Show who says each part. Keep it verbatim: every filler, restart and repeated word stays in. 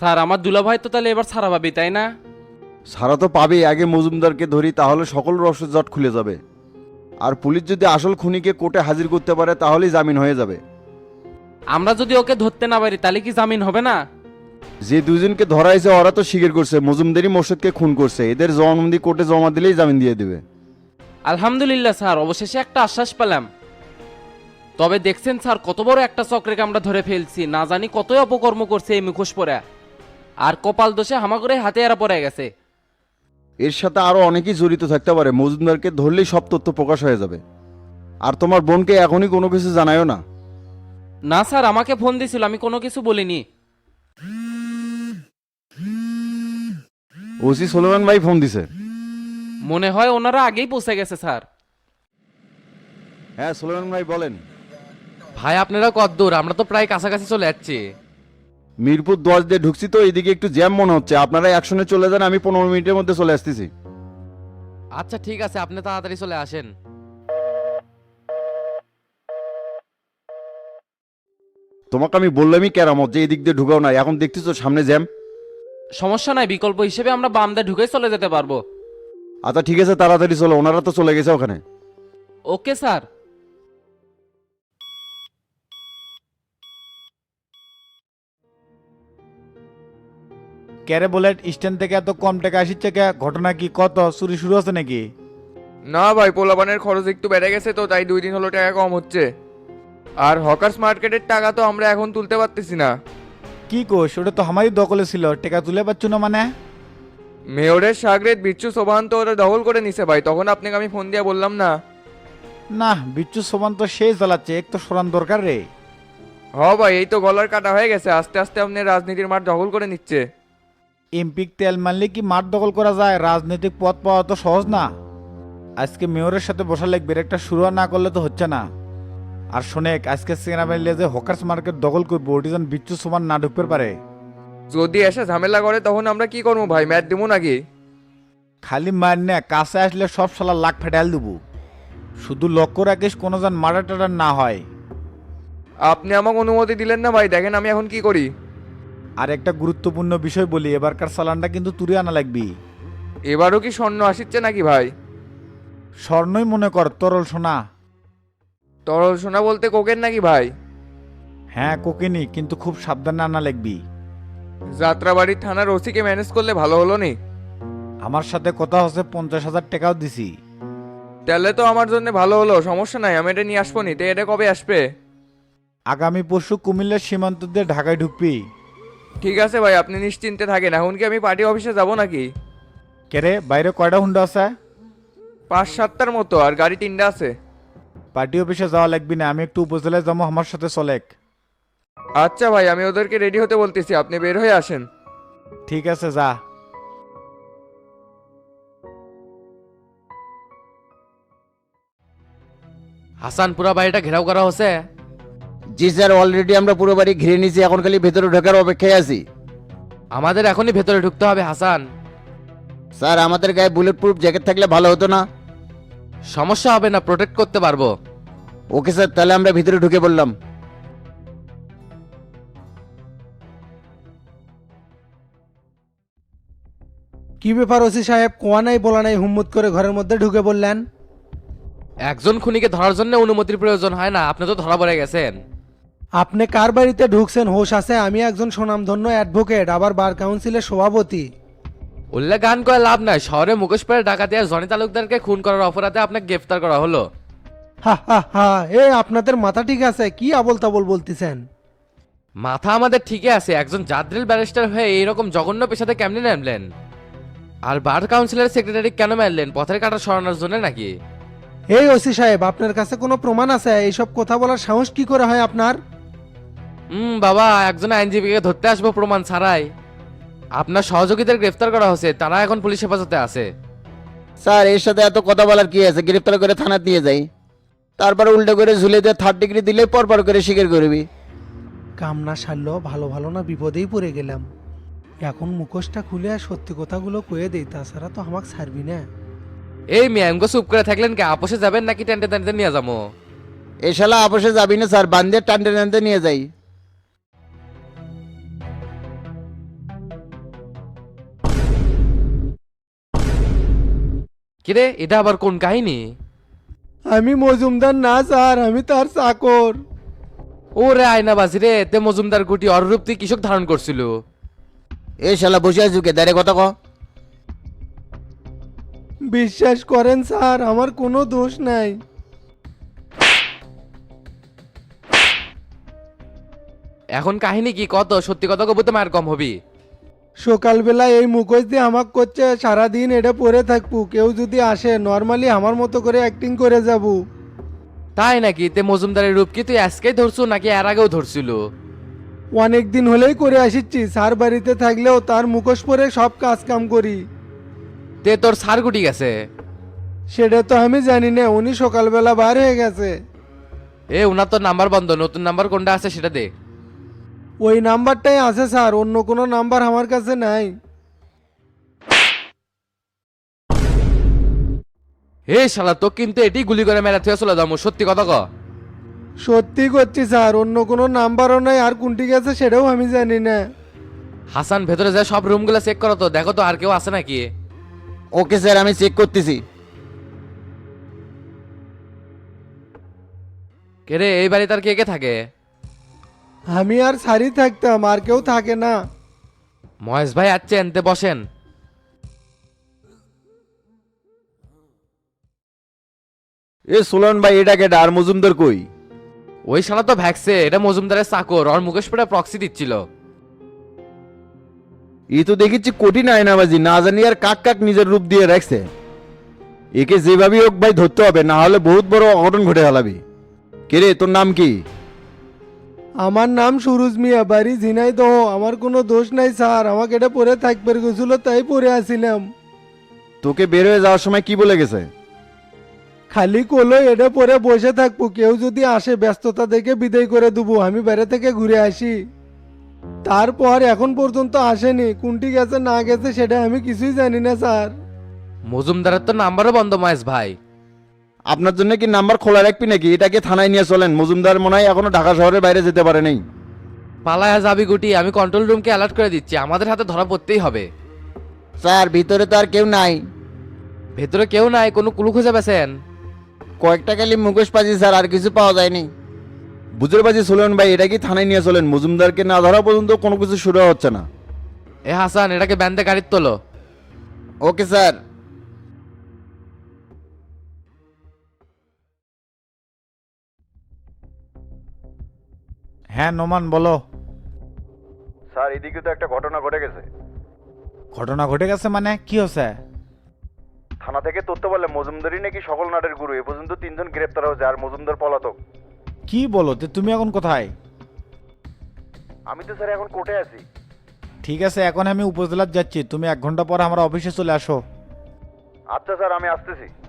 Speaker 1: Sir আমার দুলাভাই তো তাহলে এবার ছাড়া পাবি তাই না?
Speaker 2: সারা তো পাবে, আগে মজুমদারকে ধরি, তাহলে সকল রহস্য জট খুলে যাবে। আর পুলিশ যদি আসল খুনিকে কোর্টে হাজির করতে পারে তাহলেই জামিন হয়ে যাবে।
Speaker 1: আমরা যদি ওকে ধরতে না পারি তাহলে কি জামিন হবে না?
Speaker 2: যে দুজনকে ধরা হয়েছে ওরা তো স্বীকার করছে মজুমদারই মোর্শেদকে খুন করছে, এদের জবানবন্দি কোর্টে জমা দিলেই জামিন দিয়ে দেবে।
Speaker 1: আলহামদুলিল্লাহ স্যার, অবশেষে একটা আশ্বাস পেলাম। তবে দেখছেন স্যার, কত বড় একটা চক্রকে আমরা ধরে ফেলছি, না জানি কতই অপকর্ম করছে এই মুখোশ পরে। আর কপাল দোষে হামাগুড়ে হাতে এরা পড়ে গেছে।
Speaker 2: এর সাথে আরো অনেকেই জড়িত থাকতে পারে, মজুমদারকে ধরলেই সব তথ্য প্রকাশ হয়ে যাবে। আর তোমার বোনকে এখনই কোনো কিছু জানায়ও না।
Speaker 1: না স্যার, আমাকে ফোন দিছিল, আমি কোনো কিছু বলিনি।
Speaker 2: ওসি সোলেমান ভাই ফোন দিছে।
Speaker 1: মনে হয় ওনারা আগেই পৌঁছে গেছে স্যার।
Speaker 2: হ্যাঁ সোলেমান ভাই বলেন।
Speaker 3: ভাই আপনারা কত দূর? আমরা তো প্রায় কাছাকাছি চলে যাচ্ছি।
Speaker 2: মিরপুর দশ দিয়ে ঢুকছি তো, এইদিকে একটু জ্যাম মনে হচ্ছে, আপনারা একশনে চলে যান, আমি পনেরো মিনিটের মধ্যে চলে আসতেছি।
Speaker 3: আচ্ছা ঠিক আছে, আপনি তাড়াতাড়ি চলে আসেন।
Speaker 2: তোমাকে আমি বললামই কেরামত যে এদিক দিয়ে ঢুকাও না, এখন দেখতেছো সামনে জ্যাম।
Speaker 1: সমস্যা নাই, বিকল্প হিসেবে আমরা বাম দিয়ে ঢুকে চলে যেতে পারবো।
Speaker 2: আচ্ছা ঠিক আছে, তাড়াতাড়ি চলো, ওনারা তো চলে গেছে ওখানে।
Speaker 1: Okay sir.
Speaker 4: ক্যারে বুলেট স্ট্যান্ড থেকে এত কম টাকা আসছে কে? ঘটনা কি? কত চুরি শুরু আছে নাকি?
Speaker 5: না ভাই, পোলাপানের খরচ একটু বেড়ে গেছে তো তাই দুই দিন হলো টাকা কম হচ্ছে। আর হকার্স মার্কেটের টাকা তো আমরা এখন তুলতে পারতেছি না।
Speaker 4: কি কোষ? ওটা তো আমারই দখলে ছিল, টাকা তুলে পাচ্ছ না মানে?
Speaker 5: মেয়রের সাগরেদ বিচ্ছু সোবান তো ওরা দখল করে নিছে ভাই, তখন আপনাকে আমি ফোন দিয়ে বললাম না।
Speaker 4: না, বিচ্ছু সমান তো সেই চালাচ্ছে, এক তো সরান দরকার রে।
Speaker 5: হ ভাই, এই তো গলার কাটা হয়ে গেছে, আস্তে আস্তে আপনি রাজনীতির মাঠ দখল করে নিচ্ছে।
Speaker 4: এমপিক তেল মারলে কি মাঠ দখল করা যায়? রাজনৈতিক পথ পাওয়া তো সহজ না। আজকে মেয়রের সাথে বসা লাগবে, একটা শুরু না করলে তো হচ্ছে না। আর শোনেক, আজকে সেনা বাহিনী যে হকার্স মার্কেট দখল করবো, ওটি যেন বিচ্ছু সমান না ঢুকতে পারে।
Speaker 5: যদি এসে ঝামেলা করে তখন আমরা কি করবো ভাই, ম্যাচ দিব নাকি?
Speaker 4: খালি মার না, কাছে আসলে সব শালা লাখ ফেটাল দেবো। শুধু লক্ষ্য রাখিস কোনো যেন মার্ডার টাডার না হয়।
Speaker 5: আপনি আমাকে অনুমতি দিলেন না ভাই, দেখেন আমি এখন কি করি।
Speaker 4: আর একটা গুরুত্বপূর্ণ বিষয় বলি, এবারকার চালানটা কিন্তু তুলে আনা লাগবি।
Speaker 5: এবারও কি স্বর্ণ আসিচ্ছে নাকি ভাই?
Speaker 4: স্বর্ণই মনে কর, তরল সোনা।
Speaker 5: তরল সোনা বলতে কোকেন নাকি ভাই?
Speaker 4: হ্যাঁ কোকেনি, কিন্তু খুব সাবধানে আনা লাগবি।
Speaker 5: যাত্রাবাড়ির থানার ওসিকে ম্যানেজ করলে ভালো হলো নি?
Speaker 4: আমার সাথে কথা হচ্ছে, পঞ্চাশ হাজার টাকাও দিছি।
Speaker 5: তাহলে তো আমার জন্য ভালো হলো, সমস্যা নাই, আমি এটা নিয়ে আসবো নি। তো এটা কবে আসবে?
Speaker 4: আগামী পরশু কুমিল্লার সীমান্ত দিয়ে ঢাকায় ঢুকবি।
Speaker 5: ঠিক আছে ভাই, আপনি নিশ্চিন্তে থাকেন। এখন কি আমি পার্টি অফিসে যাব নাকি?
Speaker 4: কেরে বাইরে কয়টা হুন্ডা আছে?
Speaker 5: পাঁচ সাতটার মতো, আর গাড়ি তিনটা আছে।
Speaker 4: পার্টি অফিসে যাওয়া লাগবি না, আমি একটু উপজেলায় যাবো, আমার সাথে চলেক।
Speaker 5: আচ্ছা ভাই, আমি ওদেরকে রেডি হতে বলতেছি, আপনি বের হয়ে আসেন।
Speaker 4: ঠিক আছে, যা।
Speaker 3: হাসান, পুরা বাড়িটা ঘেরাও করা হচ্ছে।
Speaker 2: জি স্যার, অলরেডি আমরা পুরো বাড়ি ঘিরে নিয়েছি, এখন খালি ভেতরে ঢোকার অপেক্ষায় আছি।
Speaker 3: আমাদের এখনই ভেতরে ঢুকতে হবে হাসান।
Speaker 2: স্যার আমাদের গায়ে বুলেট প্রুফ জ্যাকেট থাকলে ভালো হতো না?
Speaker 3: সমস্যা হবে না, প্রোটেক্ট করতে পারবো।
Speaker 2: ওকে স্যার, তাহলে আমরা ভিতরে ঢুকে পড়লাম।
Speaker 6: কি ব্যাপার ওসি সাহেব, কোয়া নাই বলা নাই হুম্মত করে ঘরের মধ্যে ঢুকে বললেন?
Speaker 3: একজন খুনিকে ধরার জন্য অনুমতির প্রয়োজন হয় না, আপনি তো ধরা পড়ে গেছেন।
Speaker 6: আপনি কার বাড়িতে ঢুকছেন হোশ আছে? আমি একজন সুনামধন্য অ্যাডভোকেট, আবার বার কাউন্সিলের সভাপতি।
Speaker 3: উল্লেখ গান করে লাভ নাই, শহরে মুখোশ পরে ডাকাতি আর জনি তালুকদারকে খুন করার অপরাধে আপনাকে গ্রেফতার করা হলো।
Speaker 6: হা হা হা, এ আপনাদের মাথা ঠিক আছে? কি আবল তাবল বলতেছেন?
Speaker 3: মাথা আমাদের ঠিকই আছে, একজন জাদ্রিল ব্যারিস্টার হয়ে এইরকম জঘন্য পেশাতে কেমনে নামলেন? আর বার কাউন্সিলের সেক্রেটারি কেন মারলেন? পথের কাটা সরানোর জন্য নাকি?
Speaker 6: এই ওসি সাহেব, আপনার কাছে কোনো প্রমাণ আছে? এইসব কথা বলার সাহস কি করে হয় আপনার?
Speaker 3: হুম বাবা, একজন আইনজীবীকে ধরতে আসবো প্রমাণ ছাড়াই? আপনার সহযোগীদের গ্রেফতার করা হয়েছে, তারা এখন পুলিশ হেফাজতে আছে।
Speaker 2: স্যার এর সাথে এত কথা বলার কি আছে? গ্রেফতার করে থানায় নিয়ে যাই, তারপরে উল্টো করে ঝুলে দিয়ে থার্ড ডিগ্রি দিলে পরপর করে স্বীকার করবি।
Speaker 6: কামনা সারল, ভালো ভালো না বিপদেই পড়ে গেলাম। এখন মুখোশটা খুলে আর সত্যি কথাগুলো কয়ে দেই, তাছাড়া তো আমাকে ছাড়বি না।
Speaker 3: এই মিয়ামগো চুপ করে থাকলেন কে? আপোষে যাবেন নাকি টেন্টে টেন্টে নিয়ে যাবো?
Speaker 2: এ শালা আপোষে যাবি না স্যার, বান্দিয়ে টানতে টানতে নিয়ে যাই।
Speaker 3: কিরে এটা আবার কোন কাহিনী?
Speaker 6: আমি মজুমদার না স্যার, আমি তার চাকর।
Speaker 3: ওরে আয়নাবাজি রে, তে মজুমদার গুটি অরূপ তুই কৃষক ধারণ করছিল।
Speaker 7: এ শালা বসে আছো কে দাঁড়ে কথা ক।
Speaker 6: বিশ্বাস করেন স্যার, আমার কোনো দোষ নাই।
Speaker 3: এখন কাহিনী কি কত? সত্যি কথা কব তো মায়ের কম হবি।
Speaker 6: সকালবেলা এই মুখোশ দিয়ে আমাক করছে সারাদিন এটা পরে থাকবো, কেউ যদি আসে নর্মালি আমার মতো করে অ্যাক্টিং করে যাব।
Speaker 3: তাই নাকি? তে মজুমদারের রূপ কি তুই আজকেই ধরছু নাকি এর আগেও ধরছিল?
Speaker 6: অনেক দিন হলেই করে আসিচ্ছি, স্যার বাড়িতে থাকলেও তার মুখোশ পরে সব কাজ কাম করি।
Speaker 3: তে তোর সার গুটি গেছে?
Speaker 6: সেটা তো আমি জানি না, উনি সকালবেলা বার হয়ে গেছে।
Speaker 3: এ উনার তো নাম্বার বন্ধ, নতুন নাম্বার কোনটা আছে সেটা দে।
Speaker 6: ওই নাম্বারটাই আছে স্যার, অন্য কোনো নাম্বার আমার কাছে নাই।
Speaker 3: হে শালা তো কিন্তু এটি গুলি করে মেরা থেকে চলে যাবো, সত্যি কথা ক।
Speaker 6: সত্যি করছি স্যার, অন্য কোনো নাম্বারও নাই, আর কোনটি গেছে সেটাও আমি জানি না।
Speaker 3: হাসান ভেতরে যায় সব রুমগুলো চেক করো তো, দেখো তো আর কেউ আছে নাকি।
Speaker 7: ওকে স্যার, আমি চেক করতেছি।
Speaker 3: কে রে, এই বাড়ি তার কে কে থাকে?
Speaker 6: আমি আর সারি থাকতাম, আর কেউ থাকে না।
Speaker 3: মহেশ ভাই আছেন, তে বসেন।
Speaker 2: এ সোলান ভাই, এটা কেডা আর মজুমদার কই?
Speaker 3: ওই শালা তো ভ্যাক্সে, এটা মজুমদারের চাকর, ওর মুকেশ পড়ে প্রক্সি দিচ্ছিল।
Speaker 2: এই তো দেখেছি কঠিন আয়নাবাজি, না জানি আর কাক কাক নিজের রূপ দিয়ে রাখছে। একে যেভাবেই হোক ভাই ধরতে হবে, না হলে বহুত বড় অঘটন ঘটে হালাবি। কে রে, তোর নাম কি?
Speaker 6: আমার নাম সুরুজ মিয়া, বাড়ি ঝিনাইদহ। আমার কোনো দোষ নাই স্যার, আমাকে এটা পরে থাকবে গেছিল তাই পরে আসিলাম।
Speaker 2: তোকে বের হয়ে যাওয়ার সময় কি বলে গেছে?
Speaker 6: খালি কোলো এটা পরে বসে থাকবো, কেউ যদি আসে ব্যস্ততা দেখে বিদায় করে দেবো, আমি বাইরে থেকে ঘুরে আসি। তারপর এখন পর্যন্ত আসেনি, কোনটি গেছে না গেছে সেটা আমি কিছুই জানি না স্যার।
Speaker 3: মজুমদারের তো নাম্বারও বন্ধ মহেশ ভাই।
Speaker 2: আপনার জন্য কি নাম্বার খোলা রাখবি নাকি? এটাকে থানায় নিয়ে চলেন, মজুমদার মনে হয় এখনো ঢাকা শহরের বাইরে যেতে পারে নাই।
Speaker 3: পালায়া যাবি গুটি, আমি কন্ট্রোল রুমকে অ্যালার্ট করে দিচ্ছি, আমাদের হাতে ধরা পড়তেই হবে।
Speaker 7: স্যার ভিতরে তো আর কেউ নাই।
Speaker 3: ভেতরে কেউ নাই, কোনো কুলু খুঁজে পেছেন?
Speaker 7: কয়েকটা খালি মুখোশ পাচ্ছি স্যার, আর কিছু পাওয়া যায়নি।
Speaker 2: বুঝতে পারছি সোলেন ভাই, এটা কি থানায় নিয়ে চলেন, মজুমদারকে না ধরা পর্যন্ত কোনো কিছু শুরু হচ্ছে না।
Speaker 3: এ হাসান, এটাকে ব্যান্ডে গাড়ির তোলো।
Speaker 7: Okay sir.
Speaker 4: হ্যাঁ নোমান বলো।
Speaker 2: স্যার, এদিকে তো একটা ঘটনা ঘটে গেছে।
Speaker 4: ঘটনা ঘটে গেছে মানে কি হচ্ছে?
Speaker 2: থানা থেকে তথ্য বলে মজুমদারই নাকি সকল নাটের গুরু। এ পর্যন্ত তিনজন গ্রেপ্তার হয়েছে, আর মজুমদার পলাতক।
Speaker 4: কি বলো, তে তুমি এখন কোথায়?
Speaker 2: আমি তো স্যার এখন কোর্টে আছি।
Speaker 4: ঠিক আছে, এখন আমি উপজেলার যাচ্ছি, তুমি এক ঘন্টা পর আমার অফিসে চলে আসো।
Speaker 2: আচ্ছা স্যার, আমি আসতেছি।